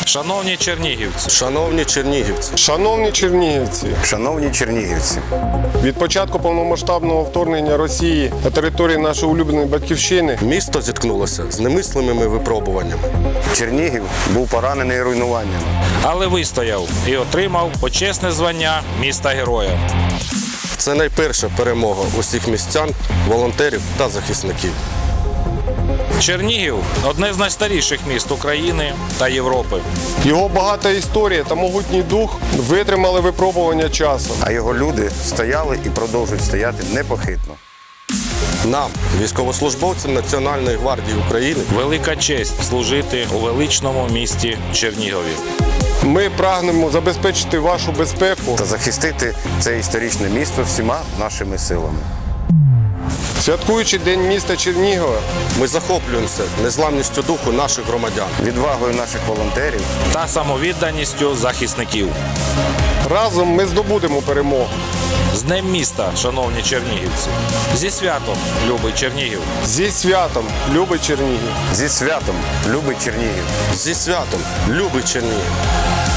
Шановні чернігівці, Шановні чернігівці, Шановні чернігівці, Шановні чернігівці, від початку повномасштабного вторгнення Росії на території нашої улюбленої батьківщини місто зіткнулося з немислимими випробуваннями. Чернігів був поранений руйнуванням. але вистояв і отримав почесне звання міста-героя. Це найперша перемога усіх містян, волонтерів та захисників. Чернігів – одне з найстаріших міст України та Європи. його багата історія та могутній дух витримали випробування часу. А його люди стояли і продовжують стояти непохитно. Нам, військовослужбовцям Національної гвардії України, Велика честь служити у величному місті Чернігові. Ми прагнемо забезпечити вашу безпеку, Та захистити це історичне місто всіма нашими силами. святкуючи День міста Чернігова. ми захоплюємося незламністю духу наших громадян. Відвагою наших волонтерів Та самовідданістю захисників. Разом ми здобудемо перемогу. З Днем міста, шановні чернігівці! Зі святом, любий Чернігів! Зі святом, любий Чернігів! зі святом, любий Чернігів! Зі святом, любий Чернігів!